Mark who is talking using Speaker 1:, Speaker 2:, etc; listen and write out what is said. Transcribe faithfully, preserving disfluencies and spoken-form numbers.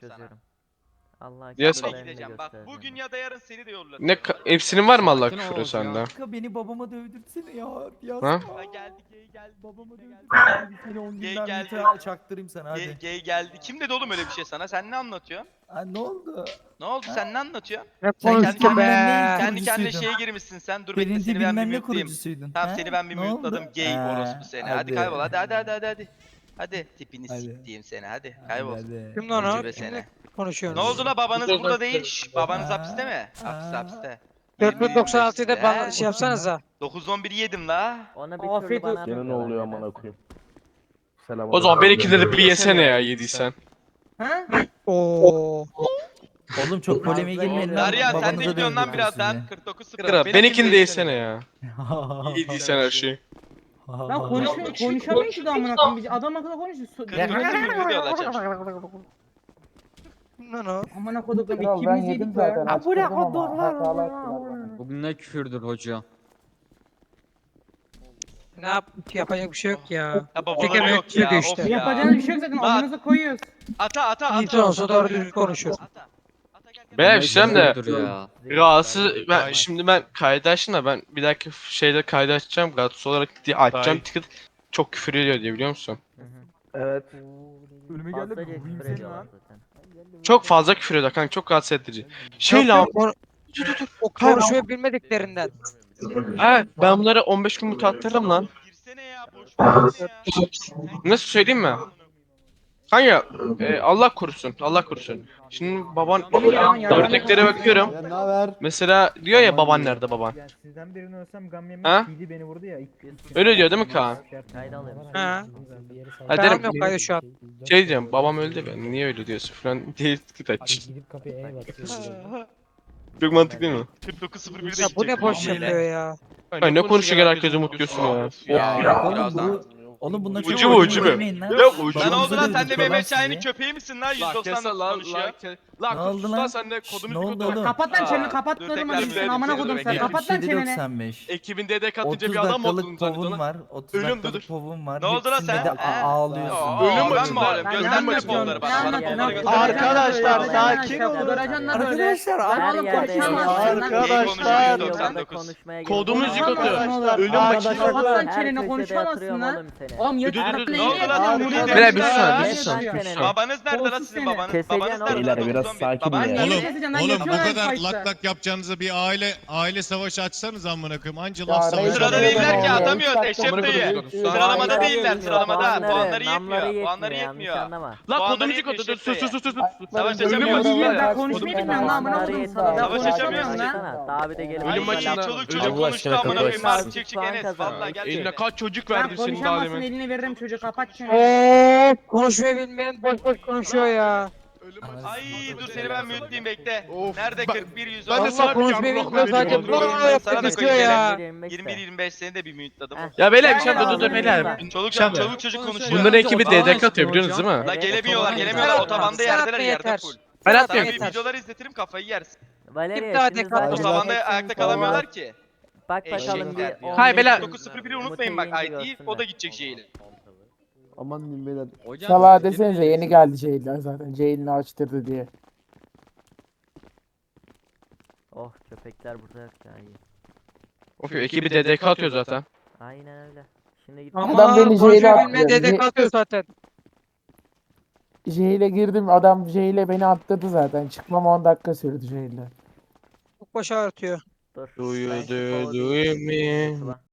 Speaker 1: sana.
Speaker 2: çözüyorum. Allah
Speaker 3: Ya
Speaker 2: aşkına
Speaker 3: sen-
Speaker 2: ben de
Speaker 1: Gideceğim bak
Speaker 2: göstereceğim.
Speaker 1: bugün ya da yarın seni de yollatıyorum.
Speaker 3: Ne ka- hepsinin var mı Allah
Speaker 4: Sakin ol
Speaker 3: küfürü
Speaker 4: Oğuz ya.
Speaker 3: sende?
Speaker 5: Kanka beni babama dövdürtsene ya. Yaz.
Speaker 3: Ha?
Speaker 1: Ha geldi gay geldi.
Speaker 5: Babama
Speaker 1: gay geldi.
Speaker 5: dövdürtsene. Bir sene on
Speaker 1: Gay
Speaker 5: günden
Speaker 1: geldi.
Speaker 5: bir çaktırayım sana
Speaker 1: Gay,
Speaker 5: hadi.
Speaker 1: gay geldi. Kim dedi oğlum öyle bir şey sana? Sen ne anlatıyorsun?
Speaker 5: Ha, ne oldu?
Speaker 1: Ne oldu sen ne anlatıyorsun?
Speaker 6: Ne
Speaker 5: Sen
Speaker 6: konuştu
Speaker 5: kendi
Speaker 6: be?
Speaker 5: kendine
Speaker 1: Kendi kendine
Speaker 5: kurucusuydun.
Speaker 1: şeye girmişsin sen. Dur bekle
Speaker 5: Birinci
Speaker 1: seni ben bir
Speaker 5: bilmem ne
Speaker 1: mute'layım.
Speaker 5: kurucusuydun.
Speaker 1: Tamam
Speaker 5: Ha?
Speaker 1: seni ben bir
Speaker 5: Ne oldu?
Speaker 1: mute'ladım. Gay
Speaker 5: Ha,
Speaker 1: orospu seni. Hadi, kaybol hadi hadi hadi hadi hadi. Hadi tipini
Speaker 5: Hadi.
Speaker 1: siktiğim seni hadi kaybol.
Speaker 5: Hadi.
Speaker 6: Kim lan o?
Speaker 1: Ucube
Speaker 6: Kimle
Speaker 1: seni.
Speaker 6: konuşuyorsun?
Speaker 1: Ne oldu la babanız burada değil. Şş, babanız
Speaker 5: Aa,
Speaker 1: hapiste mi? Hapiste
Speaker 5: aa.
Speaker 1: hapiste.
Speaker 6: dört bin doksan altıda
Speaker 1: He?
Speaker 6: bana şey yapsanıza.
Speaker 1: dokuz on biri yedim la.
Speaker 2: Ona bir
Speaker 6: Afiyet
Speaker 2: türlü bana
Speaker 6: olsun.
Speaker 2: atmıyorlar
Speaker 7: Gene ne oluyor
Speaker 2: nedense.
Speaker 7: amına koyayım. Selam.
Speaker 3: O zaman benimkileri bir yesene ya yediysen.
Speaker 6: Ha? Oo.
Speaker 5: Oğlum çok polemiğe girmeyin lan.
Speaker 1: Darya sen de
Speaker 5: Babanıza
Speaker 1: gidiyorsun lan
Speaker 5: dövdürtün
Speaker 1: birazdan.
Speaker 5: sizi.
Speaker 1: kırk dokuz sıfır.
Speaker 3: Kral benimkini de yesene ya. Yediysen her şeyi.
Speaker 8: Lan konuşma, konuşamıyor ki de amına koyayım. Biz adam akıllı konuşuyor. So-
Speaker 1: kırk dokuz sıfır video alacağım.
Speaker 6: Lan o.
Speaker 8: Amına koduklarım
Speaker 7: Kral ben
Speaker 8: ikimiz
Speaker 7: yedim
Speaker 8: yedik
Speaker 7: zaten
Speaker 8: be.
Speaker 7: açtırdım ama hatalı attılar.
Speaker 4: Bugün ne küfürdür hoca?
Speaker 6: Ne yap yapacak bir şey yok ya.
Speaker 1: Ya babaları
Speaker 6: Çekemek
Speaker 1: yok ya.
Speaker 6: yok
Speaker 1: Of
Speaker 6: işte.
Speaker 1: ya.
Speaker 8: Yapacağınız bir şey yok zaten
Speaker 1: Bak.
Speaker 8: amınıza koyuyoruz.
Speaker 1: Ata ata ata.
Speaker 6: İnsan olsa doğru düzgün konuşur.
Speaker 1: Ata. Ata gel gel.
Speaker 3: Ben bir şey diyeyim de
Speaker 4: Küfürdür ya.
Speaker 3: rahatsız ben şimdi ben kaydı açtım da ben bir dahaki şeyde kaydı açacağım rahatsız olarak diye açacağım ticket çok küfür ediyor diye biliyor musun?
Speaker 7: Evet.
Speaker 5: Ölüme
Speaker 2: Fazlaca
Speaker 5: geldi. Vurayım
Speaker 2: küfür
Speaker 5: seni
Speaker 2: ediyorlar
Speaker 5: lan.
Speaker 2: zaten.
Speaker 3: Çok fazla küfür ediyor kanka çok rahatsız edici. Şey
Speaker 6: Yok,
Speaker 3: lan
Speaker 6: yok, konu- O konuşmayı bilmediklerinden.
Speaker 3: ha ben bunları on beş gün mut attırdım lan.
Speaker 1: Girsene ya boş ver ya.
Speaker 3: Nasıl söyleyeyim mi? Kanka e, Allah korusun Allah korusun. Şimdi baban örneklere bakıyorum.
Speaker 7: Ya ne haber?
Speaker 3: Mesela diyor ya baban nerede baban?
Speaker 9: Ya sizden birini ölsem gam yemek
Speaker 3: Ha?
Speaker 9: T D beni vurdu ya. ilk-
Speaker 3: Öyle diyor değil mi Kaan?
Speaker 2: Kayda alıyorum.
Speaker 6: Ha.
Speaker 3: Ha
Speaker 6: Tamam
Speaker 3: derim
Speaker 6: yok hayır şu an.
Speaker 3: şey diyeceğim babam öldü ben niye öyle diyorsun falan diye tıkıt aç.
Speaker 9: Gidip kapıya el basıyor.
Speaker 3: Çok mantıklı değil mi?
Speaker 1: kırk dokuz sıfır birde
Speaker 6: Ya bu
Speaker 1: gidecek
Speaker 6: ne boş
Speaker 1: şeyle.
Speaker 6: yapıyor ya.
Speaker 3: Ay ne konuşuyor herkesi mutluyorsun ya.
Speaker 1: Ya
Speaker 5: Oğlum
Speaker 1: birazdan.
Speaker 5: bu Oğlum bunlar çok
Speaker 3: Ucu mu, ucu mu?
Speaker 5: yemeyin lan.
Speaker 3: Yok, ucu
Speaker 1: Lan ne oldu lan sen de
Speaker 5: Babanıza
Speaker 1: Mehmet
Speaker 5: dövdürtüyorlar
Speaker 1: Şahin'in
Speaker 5: sizi.
Speaker 1: köpeği misin lan? yüz doksan konuşuyor.
Speaker 5: Ne oldu lan?
Speaker 3: sen de
Speaker 5: Ne oldu oğlum?
Speaker 8: Kapat lan çeneni kapat
Speaker 1: Dur,
Speaker 8: dedim
Speaker 1: tekrar
Speaker 8: hadi
Speaker 1: bir-
Speaker 8: sen amına
Speaker 1: dur,
Speaker 8: kodum
Speaker 1: dur,
Speaker 8: sen
Speaker 1: bekle.
Speaker 8: kapat lan
Speaker 5: yetmiş yedi
Speaker 8: çeneni.
Speaker 5: doksan beş.
Speaker 3: Ekibin dede katınca
Speaker 5: otuz
Speaker 3: bir adam mı
Speaker 5: dakikalık
Speaker 3: oldun
Speaker 5: povun
Speaker 3: zannediyorsun?
Speaker 5: var. otuz
Speaker 3: Ölüm
Speaker 5: dakikalık
Speaker 3: dur.
Speaker 5: povun var.
Speaker 1: Ne oldu lan
Speaker 5: Hepsinde
Speaker 1: sen?
Speaker 5: de
Speaker 1: He?
Speaker 5: a- ağlıyorsun.
Speaker 1: Aa,
Speaker 3: Ölüm
Speaker 1: ben
Speaker 3: maçında.
Speaker 1: mi ağlıyorum?
Speaker 8: Ben ne
Speaker 1: Gözden mi
Speaker 8: anlatıyorum?
Speaker 1: fonları
Speaker 8: Ne
Speaker 1: bana? Bana
Speaker 8: anlatıyorsun?
Speaker 1: fonları göster.
Speaker 8: Arkadaşlar
Speaker 5: sakin olun.
Speaker 8: Duracan lan böyle.
Speaker 5: Arkadaşlar
Speaker 8: Lan
Speaker 2: Her
Speaker 8: oğlum
Speaker 2: yerde
Speaker 8: konuşamazsın lan.
Speaker 1: Arkadaşlar.
Speaker 2: Arkadaşlar.
Speaker 1: doksan dokuz.
Speaker 2: Konuşmaya gerek
Speaker 3: Kodumuz
Speaker 2: yok.
Speaker 3: yıkıldı.
Speaker 8: Konuşamazsın
Speaker 3: Ölüm
Speaker 8: oğlum.
Speaker 3: maçı.
Speaker 8: Kapat lan
Speaker 2: Her
Speaker 8: çeneni
Speaker 2: köşede
Speaker 8: konuşamazsın
Speaker 2: yatırıyorum
Speaker 8: lan.
Speaker 2: oğlum seni.
Speaker 8: Oğlum
Speaker 3: Dur, dur,
Speaker 8: yatırıp
Speaker 3: dur.
Speaker 8: ne
Speaker 1: Ne oldu lan?
Speaker 8: yapıyorsun?
Speaker 1: Beyler,
Speaker 8: Vuruyorsun
Speaker 3: bir
Speaker 8: ya.
Speaker 3: saniye, bir
Speaker 8: Ne
Speaker 3: saniye.
Speaker 8: yapıyorsun?
Speaker 1: Babanız nerede lan
Speaker 8: Kolsuz
Speaker 1: sizin
Speaker 8: seni.
Speaker 1: babanız?
Speaker 2: Keseceksin
Speaker 1: Babanız
Speaker 2: oğlum.
Speaker 1: nerede?
Speaker 7: Beyler, biraz
Speaker 1: dokuz on bir.
Speaker 7: sakin
Speaker 1: Baban
Speaker 7: ya.
Speaker 8: Ben
Speaker 1: nerede?
Speaker 8: niye
Speaker 10: Oğlum,
Speaker 8: keseceğim lan?
Speaker 10: oğlum bu
Speaker 8: Yatıyorlar
Speaker 10: kadar
Speaker 8: fight'ta.
Speaker 10: lak lak yapacağınıza bir aile aile savaşı açsanız amına koyayım. Anca
Speaker 7: Ya
Speaker 10: laf
Speaker 7: reis
Speaker 10: savaşı.
Speaker 1: Sırada
Speaker 7: Öyle
Speaker 1: değiller ki
Speaker 7: deme oğlum.
Speaker 1: atamıyoruz
Speaker 7: Üç
Speaker 1: Eşref
Speaker 7: dakika
Speaker 1: dayı.
Speaker 3: konuşuyoruz.
Speaker 1: Sıralamada
Speaker 2: Puanları
Speaker 1: değiller
Speaker 2: yetmiyor,
Speaker 1: sıralamada. Puanları
Speaker 2: namları
Speaker 1: yetmiyor. Puanları
Speaker 2: yanlış
Speaker 1: yetmiyor.
Speaker 2: anlama.
Speaker 3: Lan
Speaker 1: Puanları
Speaker 3: kodumuz
Speaker 1: yetmiyor
Speaker 3: yıkıldı dur
Speaker 1: Eşref
Speaker 3: sus sus sus sus.
Speaker 1: Savaş
Speaker 8: Ölüm
Speaker 1: açamıyoruz.
Speaker 8: maçı
Speaker 1: Savaş
Speaker 8: ben konuşmayı bilmiyorum lan amına kodum sana. Ben
Speaker 1: Savaş
Speaker 8: konuşamıyorum
Speaker 1: açamıyoruz.
Speaker 8: lan.
Speaker 2: Daha bir de gelip
Speaker 3: Ölüm
Speaker 1: Ay
Speaker 3: maçında-
Speaker 1: çoluk
Speaker 3: Allah
Speaker 1: çocuk konuştu
Speaker 7: aşkına
Speaker 1: amına koyayım.
Speaker 2: kapatın.
Speaker 1: Mark çık çık
Speaker 2: Puan
Speaker 1: Enes.
Speaker 2: kazan.
Speaker 1: Vallahi gel.
Speaker 3: Eline kaç çocuk
Speaker 8: Ben
Speaker 3: verdim senin daha
Speaker 8: konuşamazsın
Speaker 3: demin.
Speaker 8: elini veririm çocuğu kapat çeneni.
Speaker 6: Eee konuşmayı bilmeyen boş boş konuşuyor ya.
Speaker 1: Ay dur seni ben mütleyeyim bekle.
Speaker 3: Of,
Speaker 1: Nerede
Speaker 3: ben-
Speaker 1: kırk bir yüz
Speaker 3: ben de
Speaker 1: on?
Speaker 6: Allah
Speaker 3: sana bir
Speaker 6: konuşmayı
Speaker 3: yavrum
Speaker 6: bilmiyor sadece
Speaker 3: veriyorum.
Speaker 6: bana
Speaker 1: Sana da
Speaker 6: yapmak
Speaker 1: koyayım
Speaker 6: istiyor
Speaker 1: gene.
Speaker 6: ya.
Speaker 1: yirmi bir yirmi beş seni de bir mütladım.
Speaker 2: Heh.
Speaker 3: Ya beyler bir şey
Speaker 8: Aynen
Speaker 3: dur dur dur
Speaker 8: abi.
Speaker 3: beyler.
Speaker 1: Çoluk
Speaker 3: Şey
Speaker 1: çocuk çoluk çocuk konuşuyor.
Speaker 3: Bunların ekibi D D K atıyor biliyorsunuz değil mi?
Speaker 1: La
Speaker 2: Evet,
Speaker 1: gelemiyorlar
Speaker 2: otobana
Speaker 1: gelemiyorlar
Speaker 2: gidiyor.
Speaker 1: otobanda
Speaker 6: Sen
Speaker 1: yerdeler
Speaker 6: atma
Speaker 1: yerde
Speaker 6: yeter.
Speaker 1: full.
Speaker 3: Ben
Speaker 1: Sana
Speaker 3: atmıyorum.
Speaker 1: bir videolar izletirim kafayı yersin.
Speaker 2: Valeria
Speaker 6: Kim daha
Speaker 2: şimdi
Speaker 6: dekatlı?
Speaker 2: zaten
Speaker 1: Otobanda
Speaker 2: hepsini
Speaker 1: ayakta
Speaker 2: sonra
Speaker 1: kalamıyorlar ki.
Speaker 2: Bak bakalım
Speaker 1: Eşekler
Speaker 2: bir
Speaker 1: ya.
Speaker 2: on
Speaker 3: Hayır, beyler.
Speaker 2: beş
Speaker 1: dokuz sıfır biri unutmayın bak
Speaker 2: Mutayı
Speaker 1: I D
Speaker 2: görsünler.
Speaker 1: o da gidecek şeyle.
Speaker 7: Aman diyeyim beyler.
Speaker 4: Hocam,
Speaker 7: Salaha desenize yeni geldi Ceylan zaten. Ceylan'ı açtırdı diye.
Speaker 2: Oh köpekler burada yok ya iyi.
Speaker 3: Of ekibi D D K atıyor zaten.
Speaker 2: Aynen öyle. Şimdi git.
Speaker 6: Ama
Speaker 7: Adam beni
Speaker 6: konuşmayı
Speaker 7: Ceylan
Speaker 6: bilmeyen
Speaker 7: atıyor.
Speaker 6: dede kalkıyor zaten.
Speaker 7: Jeyle girdim adam Jeyle beni attırdı zaten. Çıkmam on dakika sürdü Jeyle.
Speaker 6: Çok baş ağrıtıyor.
Speaker 2: Dur.
Speaker 3: Do you
Speaker 2: Ben şu
Speaker 3: do
Speaker 2: kodu
Speaker 3: do you
Speaker 2: indireyim,
Speaker 3: me?
Speaker 2: Sıla.